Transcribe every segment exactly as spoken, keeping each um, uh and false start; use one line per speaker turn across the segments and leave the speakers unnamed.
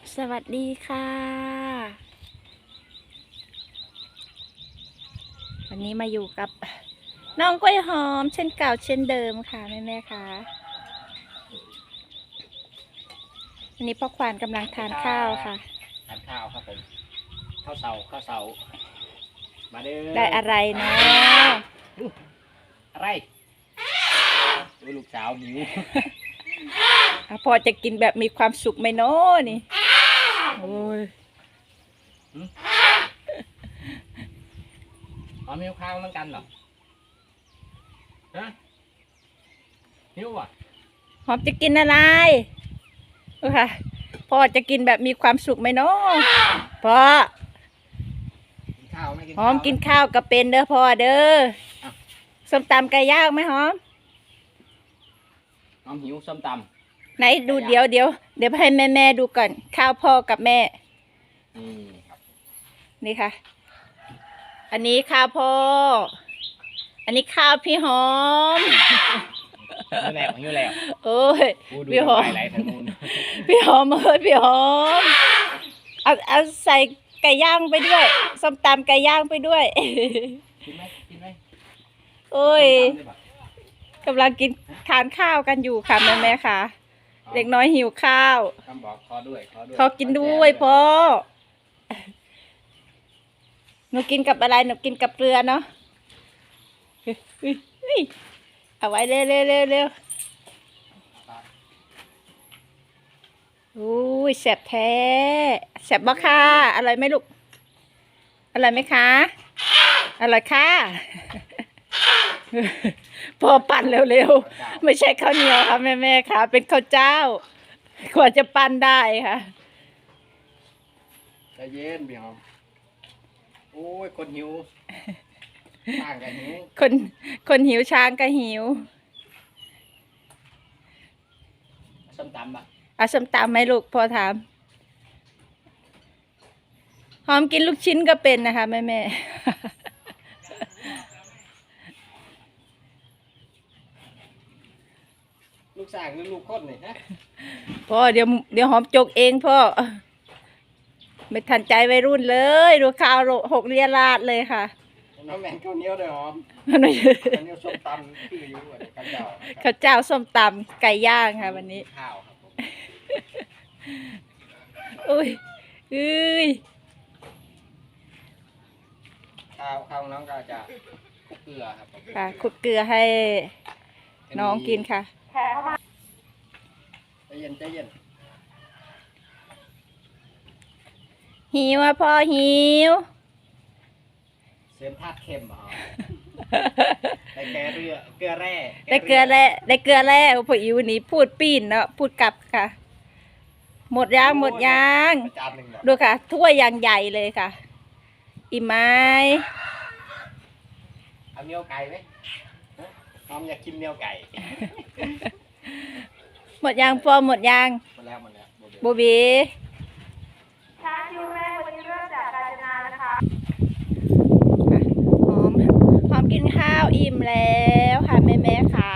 สวัสดีค่ะวันนี้มาอยู่กับน้องกล้วยหอมเช่นเก่าเช่นเดิมค่ะแม่แม่ค่ะวันนี้พ่อควานกำลังทานข้าวค่ะ
ทานข้าวครับผมข้าวเสาข้าวเสามาเด้อ
ได้อะไรเนาะ
อะไรลูกสาวหมิว
พอจะกินแบบมีความสุขไหมเนาะนี่โอ้ย
อ๋อมิวข้าวเหมือนกันเหรอฮะมิวอ่ะ
หอมจะกินอะไรค่ะพ่อจะกินแบบมีความสุขไหมเนาะพ่อหอมกินข้าวกับเป็นเด้อพ่อเด้อส้มตำไก่ย่างไหมหอม
หอมหิวส้มตำ
ไหนดูเดี๋ยวเดี๋ยวเดี๋ยวให้แม่แม่ดูก่อนข้าวพ่อกับแม่
นี่ครับ
นี่ค่ะอันนี้ข้าวพ่ออันนี้ข้าวพี่หอม
อยู่แล้วอยู่แล้ว
โอ้ยพี่หอมพี่หอมเอ้ยพี่หอมเอาเอาใส่ไก่ย่างไปด้วยส้มตำไก่ย่างไปด้วย
กินไหมกินไหม
โอ้ยกำลังกินทานข้าวกันอยู่ค่ะแม่แม่ค่ะเด็กน้อยหิวข้าว
คำบอกขอด้วยขอด้วย
ขอกินด้วยพ่อหนูกินกับอะไรหนูกินกับเกลือเนาะเอาไว้เร็วเร็วเร็วเร็วอุ้ยแซ่บแท้แซ่บบ่ค่ะอร่อยไหมลูกอร่อยไหมคะอร่อยค่ะพอปั่นเร็วๆไม่ใช่ข้าวเหนียวค่ะแม่แม่ค่ะเป็นข้าวเจ้ากว่าจะปั่นได้ค่ะ
ใจเย็นพี่หอมโอ้ยคนหิวช้างกันหิว
คนคนหิวช้างก็หิว
ส้มตำปะ
เอาส้มตำไหมลูกพอถามหอมกินลูกชิ้นก็เป็นนะคะแม่แม่
ลูกสางหรือลูกคนนี่ฮะ
พ่อเดี๋ยวเดี๋ยวหอมจกเองพ่อไม่ทันใจวัยรุ่นเลยดูข้าวหกเรียราดเลยค่ะ
น้ำแมงข้าวเหนียวเลยหอมข้าวเหนียวส้มตำคืออยู่ข้าวเจ้า
ข้าวเจ้าส้มตำไก่ย่างค่ะวันนี้
ข้าวครับผม
อุ้ยอุ้ย
ข้าวข้าวน้องก็จะคลุกเกลือครับ
ค่ะคลุกเกลือให้น้องกินค่ะ
ใจเย็นใจเย็น
หิวอ่ะพ่อหิว
เสริมธาตุเค็มเหรอได้แกเรือเกลือแร่
ได้เกลือแร่ได้เกลือแร่พ่ออิวนี่พูดปีนเนาะพูดกลับค่ะหมดยางหมดยางดูค่ะถ้วยอย่างใหญ่เลยค่ะอิ่มไหม
เอาเนื้อไก่ไหมน้องอยากกินเนื้อไก่
หมดยางพอหมดยาง
หมดแล้วหมดแล้ว
โบบี
ช้าคิวแรกวันนี้เริ่มจากกาญจนานะคะ
หอมหอมกินข้าวอิ่มแล้วค่ะแม่แม่ค่ะ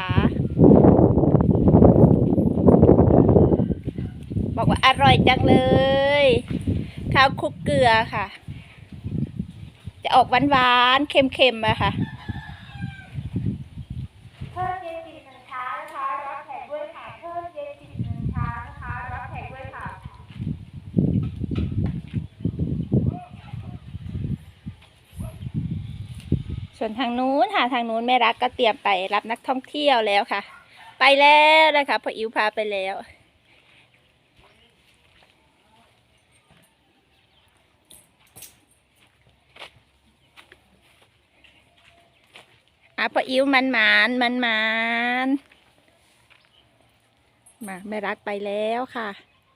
บอกว่าอร่อยจังเลยข้าวคลุกเกลือค่ะจะออกหวานหวานเค็มเค็มอะค่ะ
เพิ่มเย็นสิบหนึ่งช้านะคะรับแขกด้วยค่ะเพิ่มเย็นสิบหนึ่งช้านะคะรับแขกด้วยค่ะ
ส่วนทางนู้นค่ะทางนู้นแม่รักก็เตรียมไปรับนักท่องเที่ยวแล้วค่ะไปแล้วนะคะพ่ออิ๋วพาไปแล้วอ่ะพ่ออิ๋วมันหมานมันหมานมาแม่รักไปแล้วค่ะ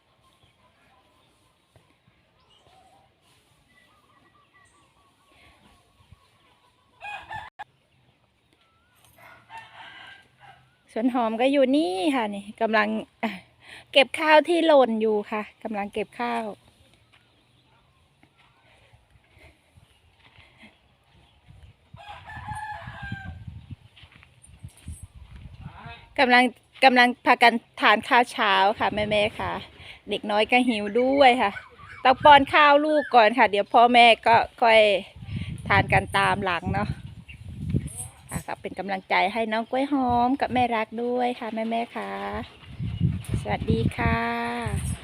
ส่วนหอมก็อยู่นี่ค่ะนี่กำลังเก็บข้าวที่หล่นอยู่ค่ะกำลังเก็บข้าวกำลังกำลังพากันทานข้าวเช้าค่ะแม่ๆค่ะ เด็กน้อยก็หิวด้วยค่ะต้องป้อนข้าวลูกก่อนค่ะ เดี๋ยวพ่อแม่ก็ค่อยทานกันตามหลังเนาะค่ะก็เป็นกำลังใจให้น้องกล้วยหอมกับแม่รักด้วยค่ะแม่ๆค่ะ สวัสดีค่ะ